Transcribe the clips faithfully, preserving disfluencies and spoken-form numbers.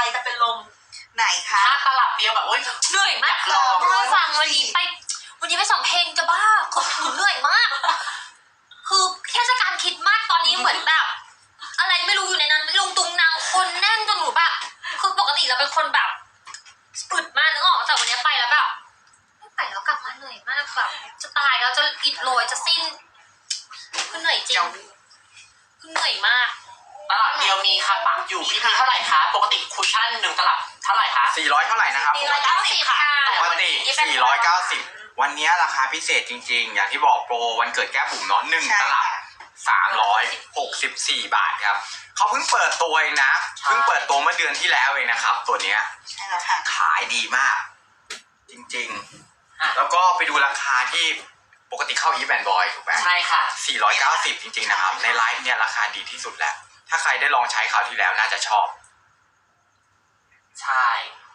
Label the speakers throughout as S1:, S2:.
S1: จะเป็นลมไหนคะ
S2: ถ้าตลับเดียวแบบโอ๊ย
S3: เหนื่อยมากลองเพื่อฟังวันนี้ไปวันนี้ไปสองเพลงจะบ้าคือเหนื่อยมากคือเทศกาลคริสต์มาสตอนนี้เหมือนแบบอะไรไม่รู้อยู่ในนั้นลุงตุงนางคนแน่นจนหนูแบบคือปกติเราเป็นคนแบบปึดมากนึกออกแต่วันนี้ไปแล้วแบบไม่ไปแล้วกลับมาเหนื่อยมากแบบจะตายแล้วจะอิดโรยจะสิ้นคือเหนื่อยจริงคือเหนื่อยมาก
S2: ตลับเดียวมีค่ะปักอยู่พี่พีเท่าไหร่คะปกติคุชชั่นหนึ่งตลับเท่าไหร่คะ
S4: สี่ร้อยเท่าไหร่นะครับ
S3: สี่ร้อยเก้าสิบค่ะ
S4: ปกติสี่ร้อยเก้าสิบวันนี้ราคาพิเศษจริงๆอย่างที่บอกโปรวันเกิดแก้ปุ่มน้อนหนึ่งตลับสามร้อยหกสิบสี่บาทครับเขาเพิ่งเปิดตัวเองนะเพิ่งเปิดตัวเมื่อเดือนที่แล้วเองนะครับตัวเนี้ย
S1: ใช่แล้วค่ะ
S4: ขายดีมากจริงๆแล้วก็ไปดูราคาที่ปกติเข้าอีแบนบอยถูกไหม
S2: ใช่ค่ะ
S4: สี่ร้อยเก้าสิบจริงๆนะครับในไลฟ์เนี่ยราคาดีที่สุดแล้วถ้าใครได้ลองใช้คราวที่แล้วน่าจะชอบ
S2: ใช่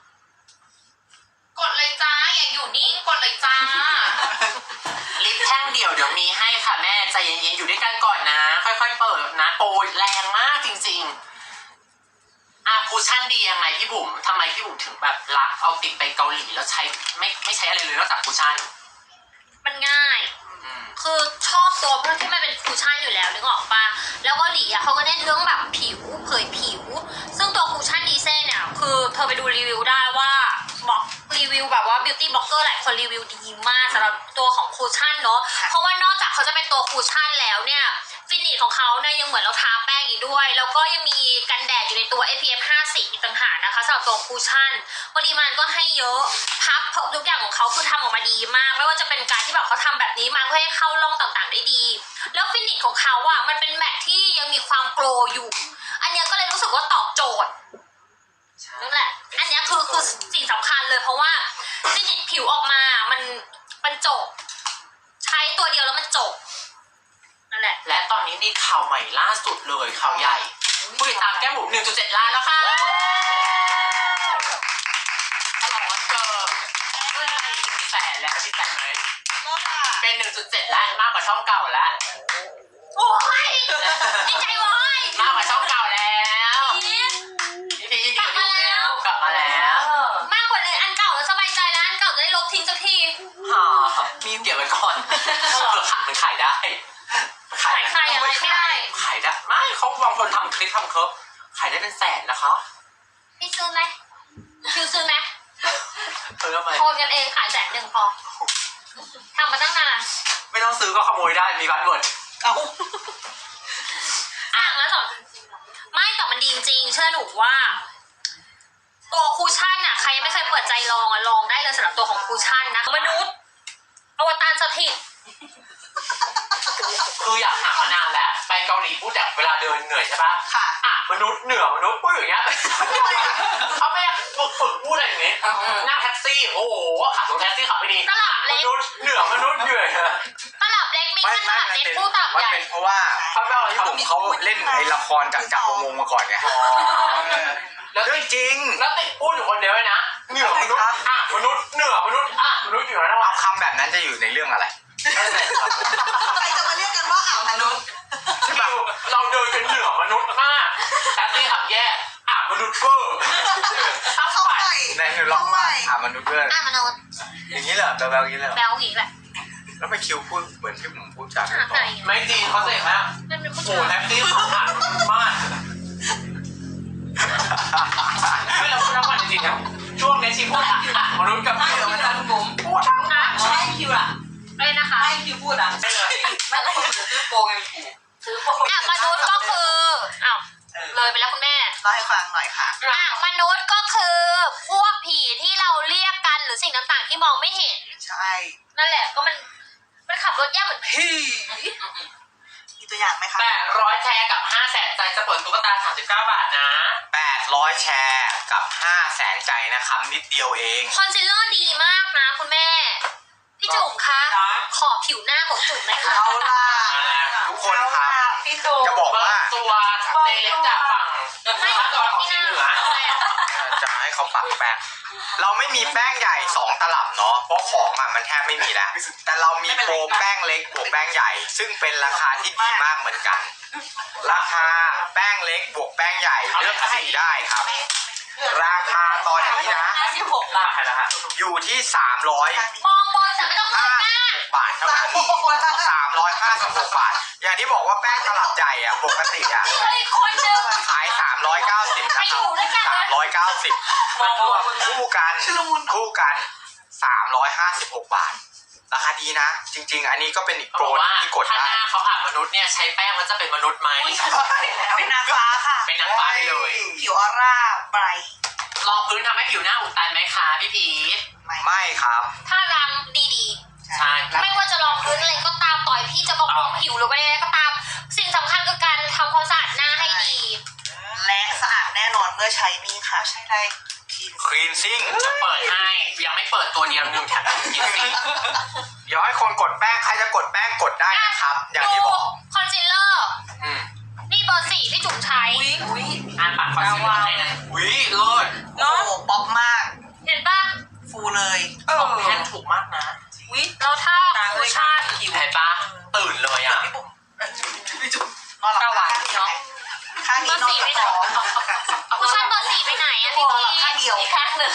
S3: กดเลยจ้าอย่าอยู่นิ่งกดเลยจ้า
S2: ลิปแท่งเดี่ยวเดี๋ยวมีให้ค่ะแม่ใจเย็นๆอยู่ด้วยกันก่อนนะค่อยๆเปิดนะโปรแรงมากจริงๆอ่ะคุชชั่นดียังไงพี่บุ๋มทำไมพี่บุ๋มถึงแบบรักเอาติดไปเกาหลีแล้วใช้ไม่ไม่ใช้อะไรเลยนอกจากคุชชั่น
S3: มันง่ายคือชอบตัวเพราะที่มันเป็นคูชั่นอยู่แล้วนึกออกปะแล้วเกาหลีอ่ะเขาก็เน้นเรื่องแบบผิวเผยผิวซึ่งตัวคูชั่นดีเซ่เนี่ยคือเธอไปดูรีวิวได้ว่าบอกรีวิวแบบว่าบิวตี้บล็อกเกอร์หลายคนรีวิวดีมากสำหรับตัวของคูชั่นเนาะเพราะว่านอกจากเขาจะเป็นตัวคูชั่นแล้วเนี่ยฟินิชของเขาเนี่ยยังเหมือนเราทาแป้งอีกด้วยแล้วก็ยังมีกันแดดอยู่ในตัว เอ พี เอฟ ห้าสิบอีกต่างหากนะคะสำหรับตัวคูชั่นปริมาณก็ให้เยอะพับทุกอย่างของเขาคือทำออกมาดีมากไม่ว่าจะเป็นการที่แบบเขาทำแบบนี้มาเพื่อให้เข้าร่องต่างๆได้ดีแล้วฟินิชของเขาอะมันเป็นแมทที่ยังมีความโกลอยู่อันนี้ก็เลยรู้สึกว่าตอบโจทย์นั่นแหละอันนี้คือคือสิ่งสำคัญเลยเพราะว่าฟินิชผิวออกมามันมันจบใช้ตัวเดียวแล้วมันจบนั่นแหละ
S2: และตอนนี้มีข่าวใหม่ล่าสุดเลยข่าวใหญ่ผู้ติดตามแก้มบุ๋ม หนึ่งจุดเจ็ด ล้านแล้วค่ะฉลองวันเกิดขึ้นไปหนึ่งแสนแล้วดีใจไหมเป็น หนึ่งจุดเจ็ด ล้านมากกว่าช่องเก่าแล้ว
S3: โอ้ยดีใจโว้ย
S2: มากกว่าช่องเก่าแล้วพี่พียินดีกับลูกแล้วกลับมาแล้ว
S3: มากกว่าเลยอันเก่าแล้วสบายใจแล้วอันเก่าจะได้ลบทิ้งสักที
S2: ฮ่ามีเก็บไว้ก่อนเผื่อขายมันขายได้
S3: ขายขายอะไรไม่ได้
S2: ขายได้ไม่เขาบางคนทำคลิปทำเคิร์ฟขายได้เป็นแสนนะคะ
S3: พี่ซื้อไหมคิวซื้อไหม
S2: เออทำไม
S3: โอนกันเองขายแสนหนึ่งพอทำมาตั้งนาน
S2: ไม่ต้องซื้อก็ขโมยได้มีบัตรหมดเอา
S3: อ่างแล้วสองไม่แต่มันดีจริงๆเชื่อหนูว่าตัวคูชั่นอ่ะใครยังไม่เคยเปิดใจลองอ่ะลองได้เลยสำหรับตัวของคูชั่นนะมนุษย์อวตารสถิต
S2: คืออยากหามานานแล้วไปเกาหลีพูดแบบเวลาเดินเหนื่อยใช่ปะ
S1: ค่ะ
S2: อ่ะมนุษย์เหนือมนุษย์พูดอย่างเงี้ยเขาไม่อยากฝึกฝึกพูดอะไรอย่างเงี้ยนั่งแท็กซี่โอ้โหขับรถแท็กซี่ขับไม่ดี
S3: ตลับเล็ก
S2: มนุษย์เหนือมนุษย์เหนื่อย
S3: ตลับเล็กมีแค่ตลับเล็กพูดตลับใหญ่
S4: มันเป็นเพราะว่าพี่บุ๋มเขาเล่นไอ้ละครจากจักรวงศ์มาก่อนไงแล้วเรื่องจริง
S2: แล้วติดพูดอยู่คนเดียวเลยนะเหนือมนุษย์อ่ะมนุษย์เหนือมนุษย์อ่ะมนุษย์เหนือนะวะ
S4: คำแบบนั้นจะอยู่ในเรื่องอะไร
S1: ใครจะมาเรียกกันว่าอ่ามนุษย์
S2: ใช่ป่ะเราเดินกันเหนือมนุษย์มากแต่ที่ขับแย่อ่ะมนุษย์เวอร์
S1: เข้าไป
S4: ในหนึ่งล็อกมาอ่ะมนุษย์เวอร์
S3: อ่ะมนุษย์
S4: อย่างนี้เหรอแบลแบลอย่างนี้เลย
S3: แบลอย่างนี้แหละ
S4: แล้วไปคิวพูดเหมือนที่ผมพูดจาก
S2: ไม่จริงเขาเสกแล้วโอ้แท็กซี่เขาผ่านมากไม่เราพูดทั้งวันจริงๆครับช่วงนี้ชีพูดอ่ะมนุษย์กับเหนือมนุษย์ผมพูดทั้งวัน
S1: ไม่คิวอ่ะ
S3: เลยนะคะ
S1: ไม่คิวพูดอ่ะ
S2: ไม่เลย
S1: ไม่ต้องซื้อโปรไง
S3: ซื้อโปรอ่ะมนุษย์ก็คืออ้าวเลยไปแล้วคุณแม่
S1: เล่าให้ฟังหน่อยค่ะ
S3: อ่ะมนุษย์ก็คือพวกผีที่เราเรียกกันหรือสิ่งต่างๆที่มองไม่เห็น
S1: ใช่
S3: นั่นแหละก็มันมันขับรถยากเหมือนผี
S1: มีตัวอย่างไหมคะ
S2: แปดร้อยแชร์กับห้าแสนใจจะเปิดตุ๊กตาสามสิบเก้าบาทนะ
S4: แปดร้อยแชร์กับห้าแสนใจนะครับนิดเดียวเอง
S3: คอนซีลเลอร์ดีมากนะคุณแม่พี่จุ๋มคะขอผิวหน้าของจุ๋มหน่อยค่ะ
S1: เอาล่ะ
S4: ทุกคนครับจะบอกว่า
S2: ตัวเตเล็กจากฝั่งไม่ตัวของสีเหนือ
S4: จะให้เขาปักแป้งเราไม่มีแป้งใหญ่สองตลับเนาะเพราะของอ่ะมันแทบไม่มีแล้วแต่เรามีโปรแป้งเล็กบวกแป้งใหญ่ซึ่งเป็นราคาที่ดีมากเหมือนกันราคาแป้งเล็กบวกแป้งใหญ่เลือกสีได้ครับราคาตอนนี้นะ
S1: ห้าสิบหกบาท
S2: ใครนะฮะ
S4: อยู่ที่สามร้อย
S3: มองบนแต่ไม่ต้องเงยหน้า
S4: บาทเท่านั้นสามร้อยห้าสิบหกบาท อย่างที่บอกว่าแป้งตลับใหญ่อะปกติอะ
S3: เฮ้ยคนหนึง
S4: ขายสามร้อยเก้าสิบนะครับสามร้อยเก้าสิบคู่กันคู่กันสามร้อยห้าสิบหกบาท ราคาดีนะ จริง ๆ อันนี้ก็เป็นอีก
S2: เขา
S4: โปร
S2: บอกว่า
S4: ที่กด
S2: ถ้า
S4: ได้
S2: หน้าเขาอาบมนุษย์เนี่ยใช้แป้งมันจะเป็นมนุษย์ไหม
S1: เป็นนางฟ้าค่ะ
S2: เป็นนางฟ้าไปเลย
S1: ผิวออร่าไบรท์
S2: รองพื้นทำให้ผิวหน้าอุดตันไหมคะพี่พีท
S4: ไม่ครับ
S3: ถ้าล้างดี
S2: ใช่
S3: ๆ ไม่ว่าจะรองพื้นอะไรก็ตามต่อยพี่จะบำรุงผิวหรืออะไรก็ตาม สิ่งสำคัญคือการทำความสะอาดหน้าให้ดี
S1: และสะอาดแน่นอนเมื่อใช้นี่ค่ะ ใช้ได้ทีม
S4: คลีนซิ่ง
S2: จะเปิดให้ยังไม่เปิดตัวเดียวหนึ่งแถมกินฟรี
S4: เดี๋ยวให้คนกดแป้ง ใครจะกดแป้งกดได้นะครับ อย่างที่บอก
S3: คอนซีลเลอร์
S2: อืม
S3: นี่เบอร์สี่พี่จุ๋มใช้
S1: อุ้ยอุ้ย
S2: อ่านปากคอนซีลเลอร์ให้นะวิเลิศ
S1: โอ้โหป๊อปมาก
S3: เห็นปะ
S1: ฟูเลย
S2: สองแท่งถูกมากนะ
S1: อุ้ย
S3: แล้วถ้าคูชั่น
S2: เห็นปะตื่นเลยอ่ะ
S1: พี่บุ๋มพี่จุ๋มนอนหลับตาข้างนี้นอนหลับตา
S3: คูชั่นเบอร์สี่ไปไหนอะพี่พี
S1: ข้างเดียว
S3: อีกข้างหนึ่ง